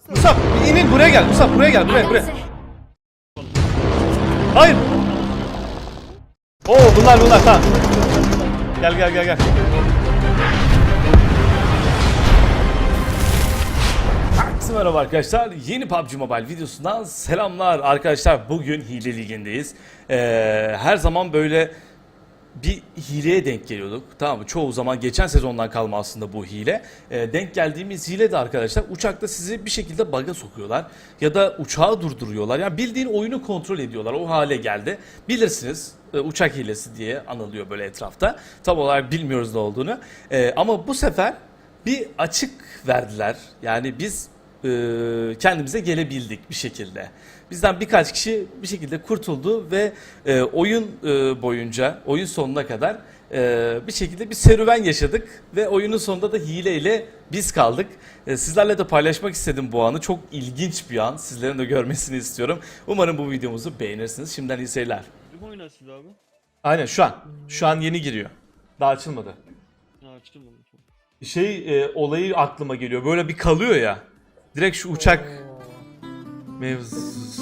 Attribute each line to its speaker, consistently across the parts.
Speaker 1: Musab inin buraya gel. Musab buraya gel. Buraya. Hayır. Oo bunlar tamam. Gel. Herkese merhaba arkadaşlar. Yeni PUBG Mobile videosundan selamlar arkadaşlar. Bugün hile ligindeyiz. Her zaman böyle bir hileye denk geliyorduk. Tamam mı? Çoğu zaman geçen sezondan kalma aslında bu hile. Denk geldiğimiz hile de arkadaşlar uçakta sizi bir şekilde bug'a sokuyorlar. Ya da uçağı durduruyorlar. Yani bildiğin oyunu kontrol ediyorlar. O hale geldi. Bilirsiniz uçak hilesi diye anılıyor böyle etrafta. Tam olarak bilmiyoruz ne olduğunu. Ama bu sefer bir açık verdiler. Yani biz kendimize gelebildik bir şekilde. Bizden birkaç kişi bir şekilde kurtuldu ve oyun boyunca, oyun sonuna kadar bir şekilde bir serüven yaşadık ve oyunun sonunda da hileyle biz kaldık. Sizlerle de paylaşmak istedim bu anı. Çok ilginç bir an. Sizlerin de görmesini istiyorum. Umarım bu videomuzu beğenirsiniz. Şimdiden iyi seyirler.
Speaker 2: Kim oynasın abi?
Speaker 1: Aynen şu an. Şu an yeni giriyor. Daha açılmadı.
Speaker 2: Ha açtım onu.
Speaker 1: Olayı aklıma geliyor. Böyle bir kalıyor ya. Direkt şu uçak mevzusu.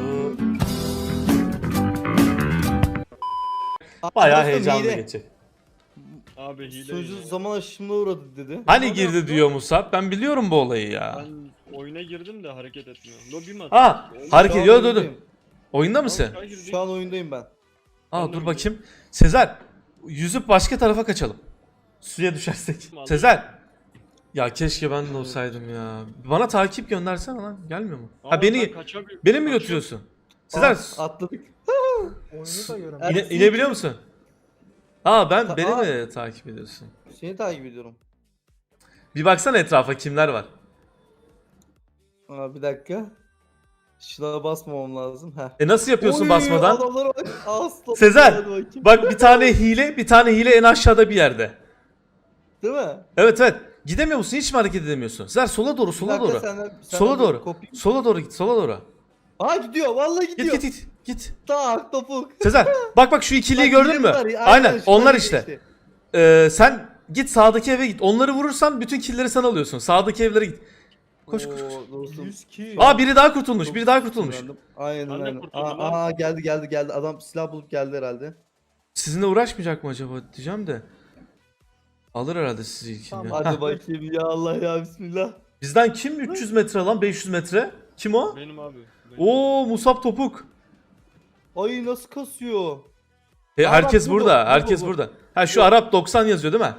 Speaker 1: Bayağı heyecanlı geçecek.
Speaker 2: Abi hile.
Speaker 3: Sözü zaman aşımına uğradı dedi.
Speaker 1: Hani girdi diyor Musab. Ben biliyorum bu olayı ya.
Speaker 2: Ben oyuna girdim de hareket etmiyor. Lobi mi
Speaker 1: Ha,
Speaker 2: atıyor?
Speaker 1: hareket
Speaker 3: Şu an
Speaker 1: yok dur.
Speaker 3: oyundayım.
Speaker 1: Oyunda mısın?
Speaker 3: Şu an oyundayım ben.
Speaker 1: Aa dur bakayım. Sezer, yüzüp başka tarafa kaçalım. Suya düşersek. Sezer. Ya keşke ben de olsaydım ya. Bana takip göndersene lan. Gelmiyor mu? Ha beni mi götürüyorsun? Sezer
Speaker 3: Atladık.
Speaker 4: Oyunu da göremiyorum.
Speaker 1: inebiliyor musun? Aa beni
Speaker 3: Aa.
Speaker 1: mi takip ediyorsun?
Speaker 3: Seni takip ediyorum.
Speaker 1: Bir baksana etrafa kimler var.
Speaker 3: Aa, bir dakika. Şuna basmamam lazım. Heh.
Speaker 1: Nasıl yapıyorsun
Speaker 3: Oy,
Speaker 1: basmadan?
Speaker 3: Adamlara bak. Aslan.
Speaker 1: Sezer,
Speaker 3: Hadi bakayım.
Speaker 1: bak bir tane hile en aşağıda bir yerde.
Speaker 3: Değil mi?
Speaker 1: Evet. Gidemiyor musun? Hiç mi hareket edemiyorsun? Sezer sola doğru,
Speaker 3: Bir
Speaker 1: sola
Speaker 3: dakika,
Speaker 1: doğru.
Speaker 3: senden
Speaker 1: Sola
Speaker 3: bir
Speaker 1: doğru.
Speaker 3: kopayım.
Speaker 1: Sola doğru git, sola doğru.
Speaker 3: Aa gidiyor. Vallahi gidiyor.
Speaker 1: Git.
Speaker 3: Tak topuk.
Speaker 1: Sezer, bak şu ikiliyi
Speaker 3: Bak,
Speaker 1: gördün mü?
Speaker 3: gidiyorlar.
Speaker 1: Aynen,
Speaker 3: şunlar
Speaker 1: onlar
Speaker 3: gidiyor
Speaker 1: işte. Sen git sağdaki eve git. Onları vurursan bütün killleri sen alıyorsun. Sağdaki evlere git. Koş.
Speaker 3: Oo, dostum.
Speaker 4: 100 kill.
Speaker 1: Aa biri daha kurtulmuş.
Speaker 3: Aynen
Speaker 2: Ben de
Speaker 3: aynen.
Speaker 2: kurtuldum
Speaker 3: Aa geldi. Adam silah bulup geldi herhalde.
Speaker 1: Sizinle uğraşmayacak mı acaba diyeceğim de. Alır herhalde sizi ilk.
Speaker 4: Tamam,
Speaker 1: ya.
Speaker 3: Hadi
Speaker 1: Hah.
Speaker 3: bakayım ya Allah ya bismillah.
Speaker 1: Bizden kim 300 metre lan 500 metre? Kim o?
Speaker 2: Benim abi.
Speaker 1: Oo Musab Topuk.
Speaker 3: Ay nasıl kasıyor?
Speaker 1: Herkes
Speaker 3: bu,
Speaker 1: burada.
Speaker 3: bu,
Speaker 1: Herkes
Speaker 3: bu.
Speaker 1: burada. Ha şu Arap 90 yazıyor değil mi?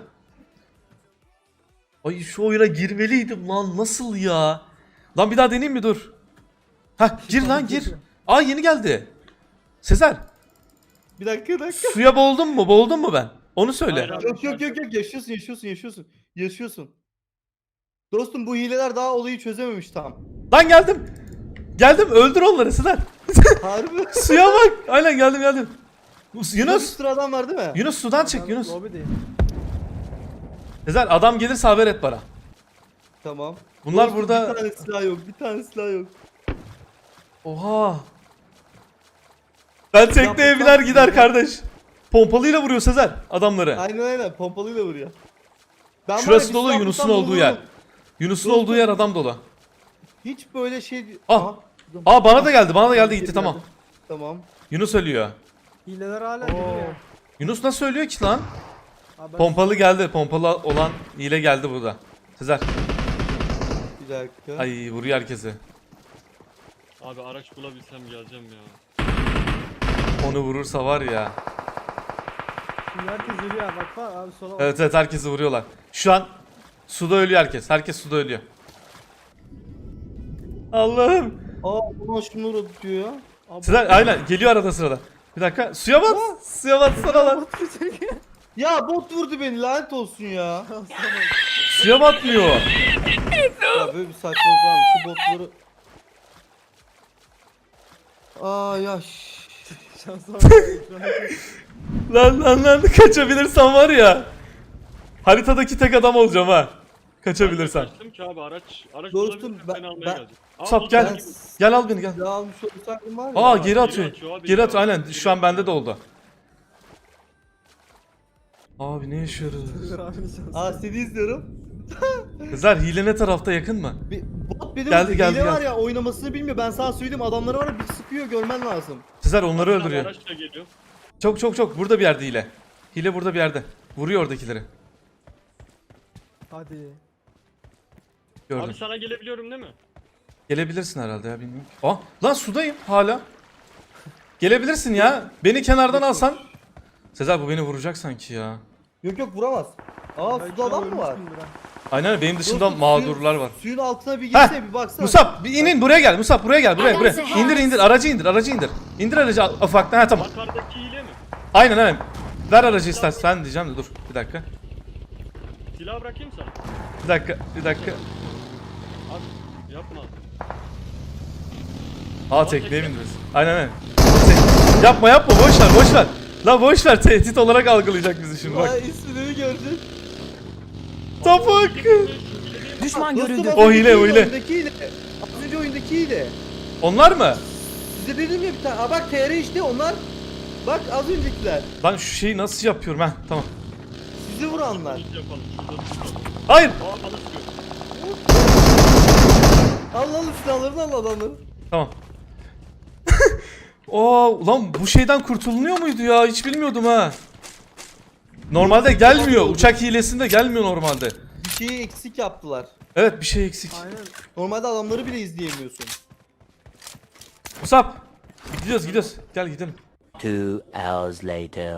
Speaker 1: Ay şu oyuna girmeliydim lan. Nasıl ya? Lan bir daha deneyeyim mi dur. Ha gir lan gir. Aa yeni geldi. Sezer
Speaker 3: Bir dakika.
Speaker 1: suya boğuldun mu? Boğuldun mu ben? Onu söyle.
Speaker 2: Hayır abi.
Speaker 3: Yok yaşıyorsun. Dostum bu hileler daha olayı çözememiş tam.
Speaker 1: Lan geldim öldür onları Sezer.
Speaker 3: Harbi.
Speaker 1: Suya bak. Aynen geldim.
Speaker 3: Bir
Speaker 1: Yunus.
Speaker 3: sürü adam var değil mi?
Speaker 1: Yunus sudan çık Yunus.
Speaker 4: Lobideyim.
Speaker 1: Sezer adam gelirse haber et bana.
Speaker 3: Tamam.
Speaker 1: Bunlar
Speaker 3: Dostum,
Speaker 1: burada.
Speaker 3: Bir tane silah yok.
Speaker 1: Oha. Ben tekneye biner gider kardeş. Pompalıyla vuruyor Sezer adamları.
Speaker 3: Aynen pompalıyla vuruyor. Ben var ya,
Speaker 1: Şurası
Speaker 3: bir
Speaker 1: dolu
Speaker 3: silah
Speaker 1: Yunus'un
Speaker 3: bulsam
Speaker 1: olduğu yer.
Speaker 3: vururum.
Speaker 1: Yunus'un
Speaker 3: Dostum.
Speaker 1: olduğu yer adam dolu.
Speaker 3: Hiç böyle şey...
Speaker 1: Ah. Aa bana da geldi gitti tamam.
Speaker 3: Tamam.
Speaker 1: Yunus ölüyor.
Speaker 4: Hileler hala gidiyor.
Speaker 1: Yunus nasıl ölüyor ki lan?
Speaker 4: Abi ben
Speaker 1: Pompalı geldi. Pompalı olan hile geldi burada. Sezer.
Speaker 3: Bir dakika.
Speaker 1: Ay vuruyor herkesi.
Speaker 2: Abi araç bulabilsem geleceğim ya.
Speaker 1: Onu vurursa var ya.
Speaker 4: şimdi herkes ölüyor bak abi sola bak.
Speaker 1: Evet herkesi vuruyorlar. Şu an suda ölüyor herkes. Herkes suda ölüyor. Allah'ım.
Speaker 3: Aa buna şunu uğradı diyor ya.
Speaker 4: Abi,
Speaker 1: Sezer aynen geliyor arada sırada. Bir dakika suya bat. Suya batsana lan.
Speaker 3: Ya bot vurdu beni lanet olsun ya.
Speaker 1: Suya batmıyor.
Speaker 3: Ya böyle bir saçmalık var mı? Şu botları... Aa ya
Speaker 4: Şansa bak.
Speaker 1: Lan kaçabilirsen var ya. Haritadaki tek adam olacağım ha. Kaçabilirsen.
Speaker 2: Kaçtım ki abi araç
Speaker 3: Dostum,
Speaker 2: bulabilirsem
Speaker 3: ben-
Speaker 2: seni almaya
Speaker 3: ben-
Speaker 2: geleceğim.
Speaker 1: Sap,
Speaker 2: dur,
Speaker 1: gel.
Speaker 2: dur, dur.
Speaker 1: Gel al beni gel.
Speaker 3: silah almış olsaydım var ya.
Speaker 1: Aa geri atıyor.
Speaker 2: atıyor abi,
Speaker 1: Geri atıyor
Speaker 2: ya.
Speaker 1: aynen. Şu an bende de oldu. Abi ne yaşıyoruz?
Speaker 4: Dur abinin şansı.
Speaker 3: Aa seni izliyorum.
Speaker 1: Sezer hile ne tarafta yakın mı?
Speaker 3: Bir bot beni
Speaker 1: Geldi,
Speaker 3: vurdu.
Speaker 1: geldi,
Speaker 3: Hile var
Speaker 1: geldi.
Speaker 3: ya, oynamasını bilmiyor. Ben sana söyleyeyim, adamları var ya, bir sıkıyor, görmen lazım.
Speaker 1: Sezer onları
Speaker 2: Bir tane
Speaker 1: öldürüyor.
Speaker 2: Araç da geliyor.
Speaker 1: Çok burada bir yerde hile. Hile burada bir yerde. Vuruyor oradakileri.
Speaker 4: Hadi.
Speaker 1: Gördüm.
Speaker 2: Abi sana gelebiliyorum değil mi?
Speaker 1: Gelebilirsin herhalde ya, bilmiyorum. Aa lan sudayım hala. Gelebilirsin ya. Beni kenardan alsan. Sezer bu beni vuracak sanki ya.
Speaker 3: Yok yok, vuramaz. Aa,
Speaker 4: Belki
Speaker 3: suda adam mı var?
Speaker 4: ölmüşsündür ha.
Speaker 1: Aynen benim dışımda
Speaker 3: Dostum,
Speaker 1: mağdurlar var.
Speaker 3: Suyun altına bir
Speaker 1: Heh,
Speaker 3: girsene, bir baksana.
Speaker 1: Musab bir inin buraya gel. Musab buraya gel. Buraya. İndir aracı indir. İndir aracı ufaktan. Ha tamam.
Speaker 2: Yukarıdaki hile mi?
Speaker 1: Aynen. Ver aracı istersen diyeceğim de dur bir dakika.
Speaker 2: Silah bırakayım sana.
Speaker 1: Bir dakika.
Speaker 2: Abi yapma.
Speaker 1: Aa tekneye bindiriz. Aynen. Yapma boş ver. La boş ver, tehdit olarak algılayacak bizi şimdi bak.
Speaker 3: Ay, ismini gördün.
Speaker 1: Topuk.
Speaker 5: Düşman
Speaker 3: Dostum,
Speaker 5: görüldü.
Speaker 3: az
Speaker 1: O
Speaker 3: önceki
Speaker 1: hile.
Speaker 3: oyundaki hile. Az önce oyundaki hile.
Speaker 1: Onlar mı?
Speaker 3: Size dedim ya bir tane. Aa bak, TR işte onlar. Bak, az öncekiler.
Speaker 1: Ben şu şeyi nasıl yapıyorum ha? Tamam.
Speaker 3: Sizi vuranlar.
Speaker 2: Hiç yapalım. Şurada tutalım.
Speaker 1: Hayır.
Speaker 2: Aa bana sıkıyor.
Speaker 3: Al silahlarını, al adamları.
Speaker 1: Tamam. Ulan bu şeyden kurtulunuyor muydu ya? Hiç bilmiyordum ha. Normalde gelmiyor. Uçak hilesinde gelmiyor normalde.
Speaker 3: Bir şeyi eksik yaptılar.
Speaker 1: Evet bir şey eksik.
Speaker 4: Aynen.
Speaker 3: Normalde adamları bile izleyemiyorsun.
Speaker 1: Musab. Gidiyoruz. Gel gidelim.
Speaker 5: 2 hours later.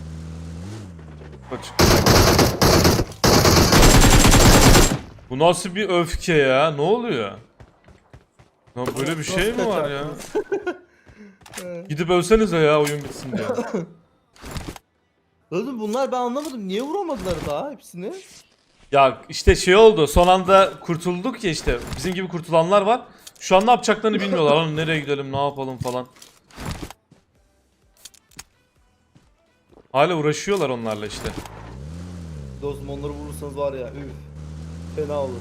Speaker 1: Kaç. Bu nasıl bir öfke ya? Ne oluyor? Lan böyle bir şey mi var ya? Gidip ölsenize ya, oyun bitsin diye.
Speaker 3: Oğlum bunlar, ben anlamadım. Niye vuramadılar daha hepsini?
Speaker 1: Ya işte şey oldu. Son anda kurtulduk ya işte. Bizim gibi kurtulanlar var. Şu an ne yapacaklarını bilmiyorlar. Lan nereye gidelim, ne yapalım falan. Hala uğraşıyorlar onlarla işte.
Speaker 3: Dostum, onları vurursanız var ya, üf. Fena olur.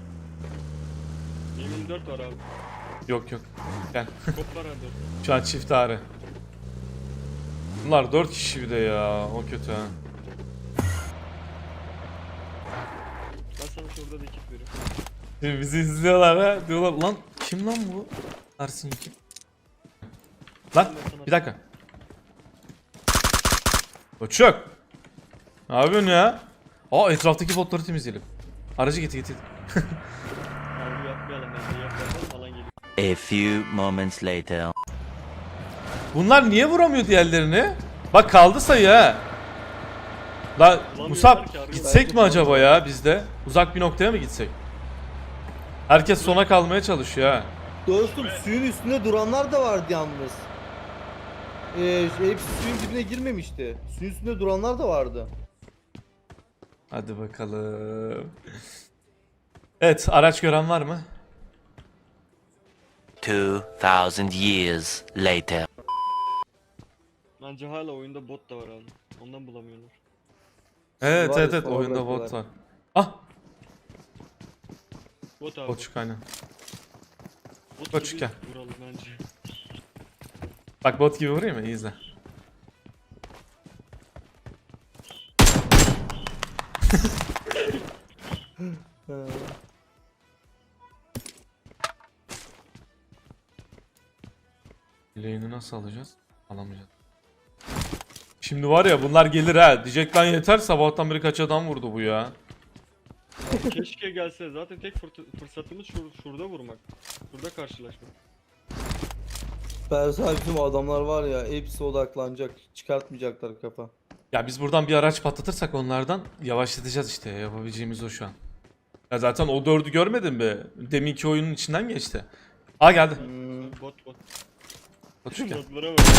Speaker 2: 24 var abi.
Speaker 1: Yok. Gel.
Speaker 2: Kop var abi.
Speaker 1: Şu an çift ağrı. Bunlar 4 kişi bir de ya. O kötü ha.
Speaker 2: Ben sana şurada da ekip veriyorum.
Speaker 1: Şimdi bizi izliyorlar ha. Diyorlar lan kim lan bu? Ersin kim? Lan bir dakika. Uçak. Ne yapıyorsun ya? Aa etraftaki botları temizleyelim. Aracı getir.
Speaker 2: Abi yapmayalım bence, yapmayalım falan geliyor.
Speaker 5: A few moments later.
Speaker 1: Bunlar niye vuramıyor diğerlerini? Bak kaldı sayı ha. La Musab gitsek mi acaba ya biz de? Uzak bir noktaya mı gitsek? Herkes sona kalmaya çalışıyor ha.
Speaker 3: Dostum, suyun üstünde duranlar da vardı yalnız. Hepsi suyun dibine girmemişti. Suyun üstünde duranlar da vardı.
Speaker 1: Hadi bakalım. Evet, araç gören var mı?
Speaker 5: 2000 years later.
Speaker 2: Bence hala oyunda bot da var abi. Ondan bulamıyorlar.
Speaker 1: Evet
Speaker 3: Var ya,
Speaker 1: evet
Speaker 3: sonra
Speaker 1: oyunda bot
Speaker 3: bırakıyorlar.
Speaker 1: var. Ah,
Speaker 2: Bot abi.
Speaker 1: botçuk aynen.
Speaker 2: Bot
Speaker 1: Botçuk
Speaker 2: gibi
Speaker 1: gel.
Speaker 2: vuralım bence.
Speaker 1: Bak bot gibi vurayım mı? İyi izle.
Speaker 3: He.
Speaker 1: Lane'i nasıl alacağız? Alamayacağız. Şimdi var ya bunlar gelir ha. Diyecek lan yeter, sabahtan beri kaç adam vurdu bu ya.
Speaker 2: Keşke gelse. Zaten tek fırsatımız şurada vurmak. Şurada karşılaşmak.
Speaker 3: Persal, bizim adamlar var ya, hepsi odaklanacak. Çıkartmayacaklar kafa.
Speaker 1: Ya biz buradan bir araç patlatırsak onlardan yavaşlatacağız işte. Yapabileceğimiz o şu an. Ya zaten o 4'ü görmedin mi? Deminki oyunun içinden geçti. Aa geldi.
Speaker 2: Bot.
Speaker 1: Botçuk gel.
Speaker 2: Botlara bak.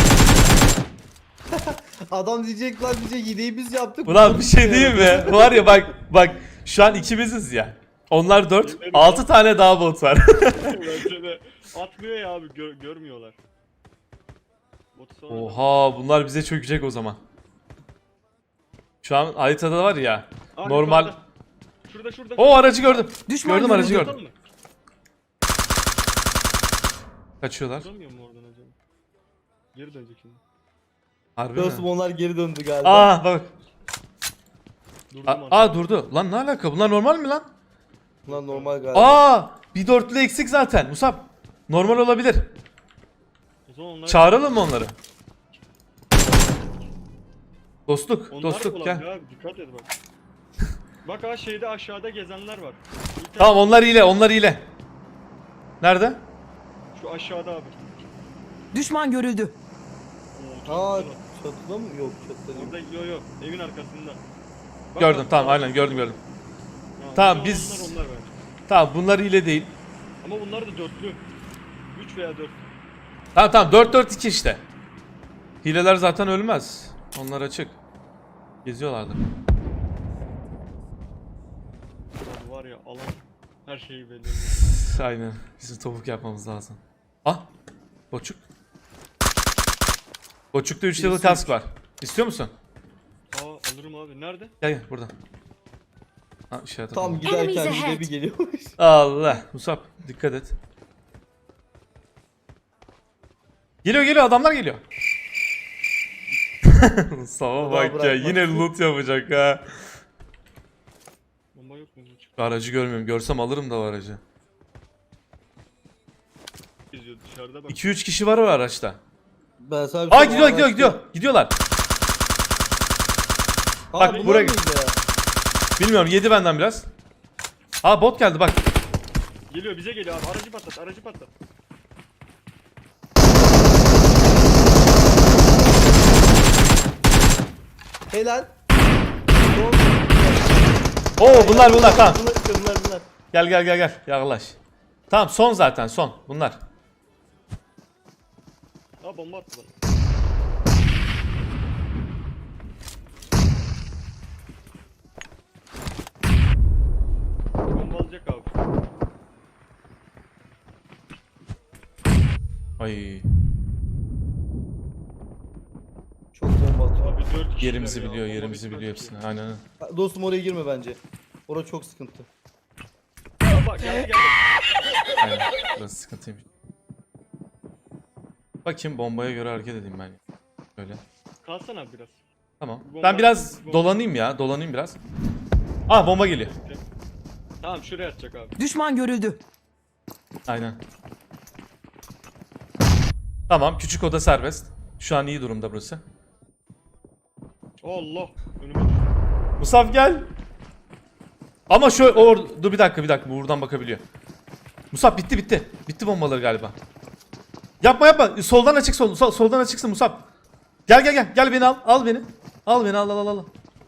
Speaker 3: Adam diyecek lan, diyecek hileyi biz yaptık.
Speaker 1: Ulan bir şey diyeyim mi? Var ya bak şu an ikimiziz ya. Onlar 4, 6 tane daha bot var.
Speaker 2: Bence de. Atmıyor ya abi, görmüyorlar. Botu sonra
Speaker 1: Oha bunlar bize çökecek o zaman. Şu an haritada var ya.
Speaker 2: Aa,
Speaker 1: Normal.
Speaker 2: yukarıda. Şurada.
Speaker 1: O aracı gördüm.
Speaker 5: Düşman
Speaker 1: Gördüm aracı
Speaker 5: görüldü.
Speaker 1: gördüm. Kaçıyorlar.
Speaker 2: Duramıyor mu oradan acaba? Geri dönecek şimdi.
Speaker 1: Harbi
Speaker 3: Dostum,
Speaker 1: mi?
Speaker 3: onlar geri döndü galiba.
Speaker 1: Aa bak.
Speaker 2: Durdum
Speaker 1: Aa durdu. Lan ne alaka? Bunlar normal mi lan?
Speaker 3: Bunlar normal galiba.
Speaker 1: Aa! Bir dörtlü eksik zaten Musab. Normal olabilir.
Speaker 2: O zaman onlar...
Speaker 1: Çağıralım mı onları? Dostluk,
Speaker 2: Onlar
Speaker 1: dostluk
Speaker 2: ulan
Speaker 1: gel.
Speaker 2: ya, dikkat et bak. Bak ha şeyde aşağıda gezenler var. Bir
Speaker 1: Tamam
Speaker 2: tane-
Speaker 1: onlar ile, onlar ile. Nerede?
Speaker 2: Şu aşağıda abi.
Speaker 5: Düşman görüldü.
Speaker 2: Oo, çok
Speaker 3: Aa
Speaker 2: güzel.
Speaker 3: çatıda mı? Yok çatıda değil.
Speaker 2: Orada yok evin arkasında. Bak,
Speaker 1: Gördüm
Speaker 2: bak,
Speaker 1: tamam
Speaker 2: bak.
Speaker 1: aynen gördüm.
Speaker 2: Ya,
Speaker 1: Tamam,
Speaker 2: o
Speaker 1: biz-
Speaker 2: Onlar bence.
Speaker 1: Tamam bunlar ile değil.
Speaker 2: Ama bunlar da dörtlü. 3 veya 4.
Speaker 1: Tamam 4-4-2 işte. Hileler zaten ölmez. Onlar açık. Geziyorlardı.
Speaker 2: Abi var ya alan her şeyi belli.
Speaker 1: Aynen. Bizim topuk yapmamız lazım. Ah! Boçuk. Boçukta 3 level kask var. İstiyor musun?
Speaker 2: Aa alırım abi. Nerede?
Speaker 1: Gel gel burada. Ha işaret
Speaker 3: Tam
Speaker 1: atalım.
Speaker 3: giderken
Speaker 6: Enemies
Speaker 3: bir de
Speaker 6: ahead.
Speaker 3: bir geliyormuş.
Speaker 1: Allah. Musab dikkat et. Geliyor adamlar geliyor. Musab'a bak ya
Speaker 3: bırakmaz.
Speaker 1: yine loot yapacak ha.
Speaker 2: Bomba yok mu? Çık
Speaker 1: Aracı görmüyorum. Görsem alırım da o aracı.
Speaker 2: geziyor dışarıda bak.
Speaker 1: 2-3 kişi var o araçta.
Speaker 3: Ben sana bir
Speaker 1: Aa
Speaker 3: şey
Speaker 1: gidiyor
Speaker 3: söyleyeyim.
Speaker 1: gidiyorlar.
Speaker 3: Aa,
Speaker 1: Bak,
Speaker 3: bunlar
Speaker 1: buraya-
Speaker 3: mıydı ya?
Speaker 1: Bilmiyorum yedi benden biraz. Aa bot geldi bak.
Speaker 2: Geliyor bize geliyor abi. Aracı patlat, aracı patlat.
Speaker 3: Helal.
Speaker 1: Oo bunlar tamam.
Speaker 3: Bunlar.
Speaker 1: Gel yaklaş. Tamam son zaten son bunlar.
Speaker 2: Aa bomba attı bana. Bomba alacak abi.
Speaker 1: Ay
Speaker 3: Çok bomba atıyor.
Speaker 2: Abi 4 kişi.
Speaker 1: yerimizi biliyor yerimizi hepsini aynen.
Speaker 3: Ha, dostum oraya girme bence. Orada çok sıkıntı.
Speaker 2: Bak geldi.
Speaker 1: Aynen burası sıkıntıymış. Bakayım bombaya göre hareket edeyim ben. Böyle.
Speaker 2: Kalsana abi biraz.
Speaker 1: Tamam.
Speaker 2: Bomba-
Speaker 1: Ben biraz
Speaker 2: bomba-
Speaker 1: dolanayım biraz. Aa bomba geliyor.
Speaker 2: Tamam şuraya atacak abi.
Speaker 5: Düşman görüldü.
Speaker 1: Aynen. Tamam küçük oda serbest. Şu an iyi durumda burası.
Speaker 2: Allah. Önüme düştü.
Speaker 1: Musaf gel. Ama dur bir dakika buradan bakabiliyor. Musaf bitti. Bitti bombaları galiba. Yapma. Soldan açık soldan açıksın Musaf. Gel beni al beni. Al beni al.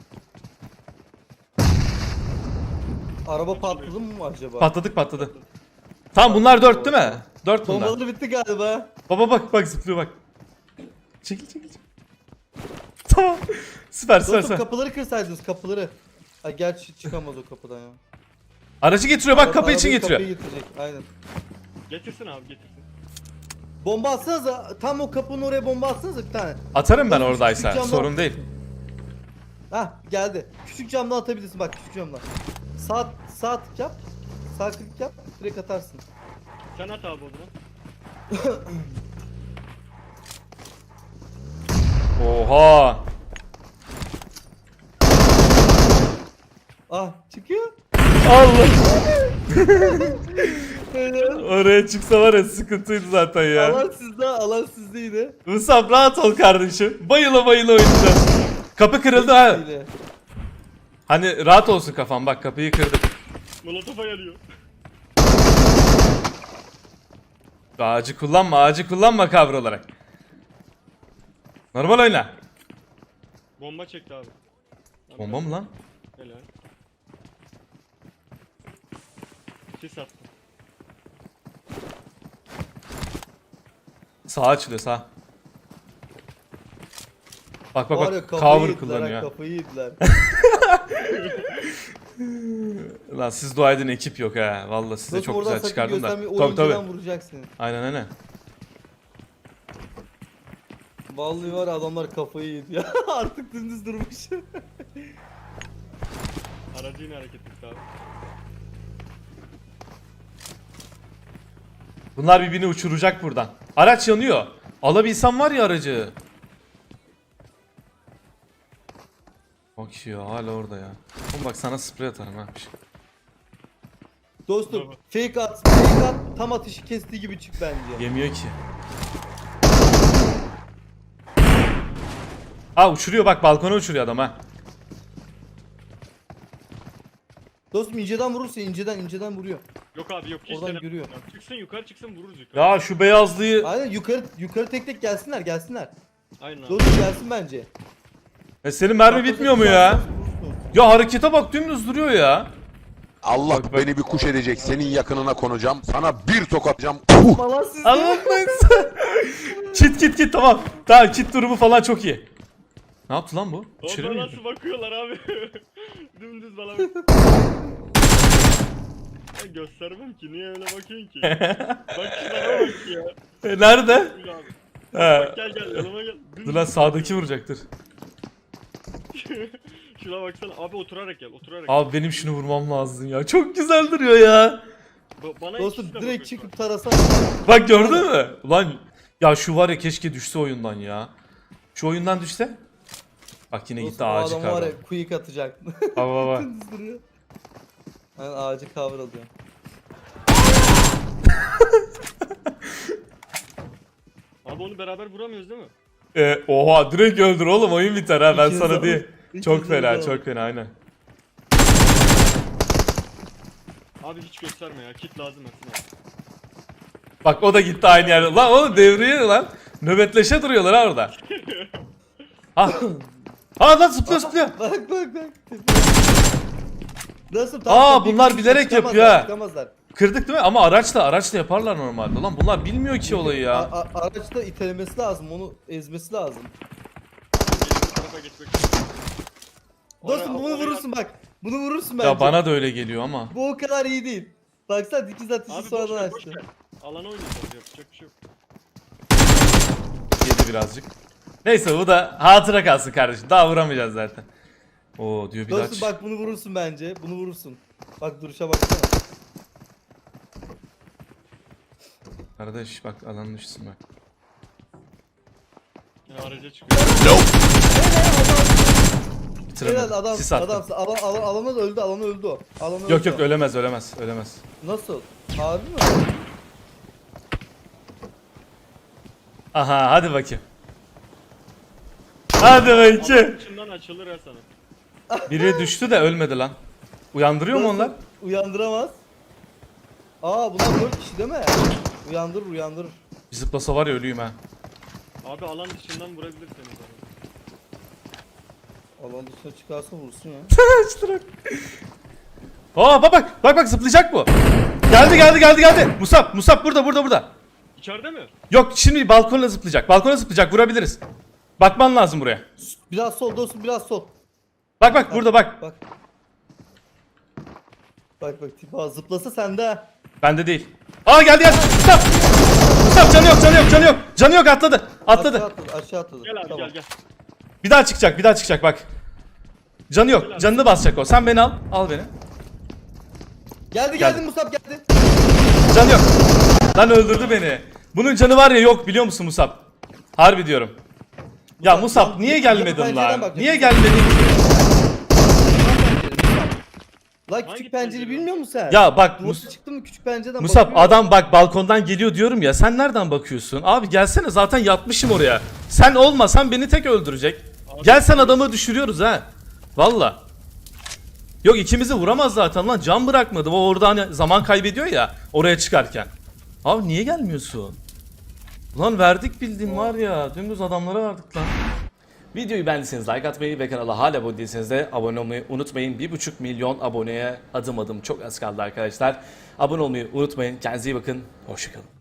Speaker 3: Araba patladı mı acaba?
Speaker 1: Patladı. Tamam bunlar 4 değil mi? 4 bunlar.
Speaker 3: Bombaları bitti galiba.
Speaker 1: Baba bak zıplıyor bak. Çekil. Tamam. Süper.
Speaker 3: Dostum kapıları kırsaydınız kapıları. Ha gerçi çıkamaz o kapıdan ya.
Speaker 1: Aracı getiriyor bak kapı için
Speaker 3: Arabayı
Speaker 1: getiriyor.
Speaker 3: Kapıyı getirecek aynen.
Speaker 2: Getirsin abi getirsin.
Speaker 3: Bomba atsanıza tam o kapının oraya bomba atsanıza bir tane.
Speaker 1: Atarım ben
Speaker 3: Küçük
Speaker 1: oradaysa.
Speaker 3: camdan-
Speaker 1: Sorun değil.
Speaker 3: Hah geldi. Küçük camdan atabilirsin bak küçük camdan. Sağ tık yap. Sağ klik yap. Direkt atarsın.
Speaker 2: Sen at abi o zaman.
Speaker 1: Oha.
Speaker 3: Ah çıkıyor.
Speaker 1: Allah. Oraya çıksa var ya sıkıntıydı zaten ya.
Speaker 3: Alan sizde yine.
Speaker 1: Musab rahat ol kardeşim. Bayıla oynayacağız. Kapı kırıldı ha.
Speaker 3: Yine.
Speaker 1: Hani rahat olsun kafam bak kapıyı kırdık.
Speaker 2: Molotof'a yarıyor.
Speaker 1: Ağacı kullanma kavra olarak. Normal oyna.
Speaker 2: Bomba çekti abi.
Speaker 1: Bomba mı lan?
Speaker 2: Helal. Sis attı.
Speaker 1: Sağ açılıyor sağ. Bak
Speaker 3: Var ya, kafayı
Speaker 1: cover
Speaker 3: yediler ha,
Speaker 1: kullanıyor.
Speaker 3: Kafayı yediler.
Speaker 1: Lan siz dua edin ekip yok ha. Vallahi size
Speaker 3: Dostum
Speaker 1: çok
Speaker 3: oradan
Speaker 1: güzel
Speaker 3: sakın
Speaker 1: çıkardım da.
Speaker 3: göstermeyi,
Speaker 1: Tabii
Speaker 3: oyuncudan vuracak seni.
Speaker 1: Aynen.
Speaker 3: Vallahi var ya, adamlar kafayı yedi ya. Artık dümdüz durmuş.
Speaker 2: Aracı yine hareket etti abi.
Speaker 1: Bunlar birbirini uçuracak buradan. Araç yanıyor. Alabilsem var ya aracı. Bak ya hala orada ya. Oğlum bak sana sprey atarım ha.
Speaker 3: Dostum
Speaker 2: Bravo.
Speaker 3: fake at, fake at, tam atışı kestiği gibi çık bence.
Speaker 1: Yemiyor ki. Aa uçuruyor bak, balkona uçuruyor adam ha.
Speaker 3: Dostum inceden vurursa inceden vuruyor.
Speaker 2: Yok abi yok hiç
Speaker 3: Oradan
Speaker 2: deneme.
Speaker 3: görüyor.
Speaker 2: Çıksın yukarı çıksın vururuz yukarı.
Speaker 1: Ya şu beyazlıyı.
Speaker 3: Aynen yukarı tek tek gelsinler.
Speaker 2: Aynen abi.
Speaker 3: Dostum gelsin bence.
Speaker 1: Senin mermi bitmiyor mu ya?
Speaker 3: Vurursun.
Speaker 1: Ya harekete bak, dümdüz duruyor ya.
Speaker 6: Allah
Speaker 1: Bak, bak.
Speaker 6: beni bir kuş edecek. Senin yakınına konacağım. Sana bir tokatacağım.
Speaker 3: Falan siz
Speaker 1: Anlatmayın. Kit tamam. Tamam, kit durumu falan çok iyi. Ne yaptı lan bu? İçeri mi
Speaker 2: Orada
Speaker 1: girdi?
Speaker 2: nasıl bakıyorlar abi? Dümdüz bana bak. Ben göstermem ki niye öyle bakıyorsun ki? Bak şuna bak ya.
Speaker 1: Nerede?
Speaker 2: Dur abi.
Speaker 1: He.
Speaker 2: Bak gel yanıma gel. Dümdüz.
Speaker 1: Dur lan, sağdaki vuracaktır.
Speaker 2: Şuna baksana abi oturarak gel oturarak.
Speaker 1: Abi benim şunu vurmam lazım ya. Çok güzel duruyor ya.
Speaker 2: Bana
Speaker 3: Dostum
Speaker 2: ikisine
Speaker 3: direkt
Speaker 2: bakıyorsun.
Speaker 3: çıkıp tarasa.
Speaker 1: Bak gördün mü? Ulan ya şu var ya, keşke düşse oyundan ya. Şu oyundan düşse. Bak yine gitti
Speaker 3: Dostum o
Speaker 1: ağacı
Speaker 3: adam var
Speaker 1: kavradı.
Speaker 3: ya quick atacak.
Speaker 1: Baba.
Speaker 3: Dümdüz duruyor. Aynen ağacı cover alıyor.
Speaker 2: Abi onu beraber vuramıyoruz değil mi?
Speaker 1: Oha, direkt öldür oğlum, oyun biter ha, ben
Speaker 3: İkiniz
Speaker 1: sana
Speaker 3: alın.
Speaker 1: diyeyim.
Speaker 3: İkiniz
Speaker 1: Çok fena,
Speaker 3: alın.
Speaker 1: çok fena, aynen.
Speaker 2: Abi hiç gösterme ya kit lazım Ersin abi.
Speaker 1: Bak o da gitti aynı yerde. Lan oğlum devriye lan. Nöbetleşe duruyorlar ha orada. Ha. Ha lan zıplıyor.
Speaker 3: Bak. Nasıl?
Speaker 1: Aa, bunlar bilerek yapıyor ha.
Speaker 3: Çıkamazlar.
Speaker 1: Kırdık değil mi? Ama araçla yaparlar normalde. Lan bunlar bilmiyor ki olayı ya.
Speaker 3: Araçta itelemesi lazım, onu ezmesi lazım.
Speaker 2: Bu tarafa geçmek için.
Speaker 3: Dostum bunu vurursun bak. Bunu vurursun bence.
Speaker 1: Ya bana da öyle geliyor ama.
Speaker 3: Bu o kadar iyi değil. Baksana dikiz atışı
Speaker 2: Abi boş
Speaker 3: sonradan
Speaker 2: ver boş
Speaker 3: açtı.
Speaker 2: ver. Alana oynayacağız yapacak bir şey yok.
Speaker 1: Yedi birazcık. Neyse, bu da hatıra kalsın kardeşim. Daha vuramayacağız zaten. Oo diyor bir daha.
Speaker 3: Dostum bak bunu vurursun bence. Bunu vurursun. Bak duruşa baksana.
Speaker 1: Kardeş bak, alanın düşsün bak.
Speaker 2: Ya araca çıkıyor.
Speaker 1: Bitiremedim.
Speaker 3: Helal adam.
Speaker 1: Sis attı.
Speaker 3: Adam alana da öldü. Alana öldü o. Alana
Speaker 1: Yok
Speaker 3: öldü
Speaker 1: yok,
Speaker 3: o.
Speaker 1: ölemez.
Speaker 3: Nasıl? Harbi mi?
Speaker 1: Aha, hadi bakayım. Hadi bakayım.
Speaker 2: Alanın içinden açılır ya sana.
Speaker 1: Biri düştü de ölmedi lan. Uyandırıyor mu
Speaker 3: Dostum,
Speaker 1: onlar?
Speaker 3: Uyandıramaz. Aa bunlar 4 kişi değil mi? Uyandırır.
Speaker 1: Bir zıplasa var ya, ölüyüm ha.
Speaker 2: Abi alan dışından vurabilir seni zaten.
Speaker 3: Alan dışına çıkarsa vursun ya.
Speaker 1: Açtırak. Aa bak zıplayacak bu. Geldi. Musab burada.
Speaker 2: İçeride mi?
Speaker 1: Yok, şimdi balkona zıplayacak. Vurabiliriz. Bakman lazım buraya.
Speaker 3: Biraz sol dostum, biraz sol.
Speaker 1: Bak burada bak.
Speaker 3: Bak. Bak tipi zıplasa sende ha.
Speaker 1: Bende değil. Aa geldi. Musab canı yok, atladı.
Speaker 3: Aşağı atladı.
Speaker 2: Gel abi
Speaker 3: Tamam.
Speaker 2: gel.
Speaker 1: Bir daha çıkacak bak. Canı yok. Canını basacak o. Sen beni al beni.
Speaker 3: Geldi Musab geldi.
Speaker 1: Canı yok. Lan öldürdü beni. Bunun canı var ya, yok biliyor musun Musab? Harbi diyorum. Ya Musab niye gelmedin
Speaker 3: pencereden
Speaker 1: lan?
Speaker 3: bak.
Speaker 1: Niye gelmedin ki?
Speaker 3: Lan
Speaker 2: Hangi
Speaker 3: küçük pencere
Speaker 2: pencere?
Speaker 3: bilmiyor musun sen?
Speaker 1: Ya bak
Speaker 3: Duvası çıktı mı küçük pencereden
Speaker 1: Musab,
Speaker 3: bakıyor.
Speaker 1: adam bak balkondan geliyor diyorum ya, sen nereden bakıyorsun? Abi gelsene, zaten yatmışım oraya. Sen olmasan beni tek öldürecek. Gel sen, adamı düşürüyoruz ha. Valla. Yok, ikimizi vuramaz zaten lan, can bırakmadı. O orada hani zaman kaybediyor ya oraya çıkarken. Abi niye gelmiyorsun? Ulan verdik bildiğin var ya, dümdüz adamlara verdik lan. Videoyu beğendiyseniz like atmayı ve kanala hala abone değilseniz de abone olmayı unutmayın. 1,5 milyon aboneye adım çok az kaldı arkadaşlar. Abone olmayı unutmayın. Kendinize iyi bakın. Hoşçakalın.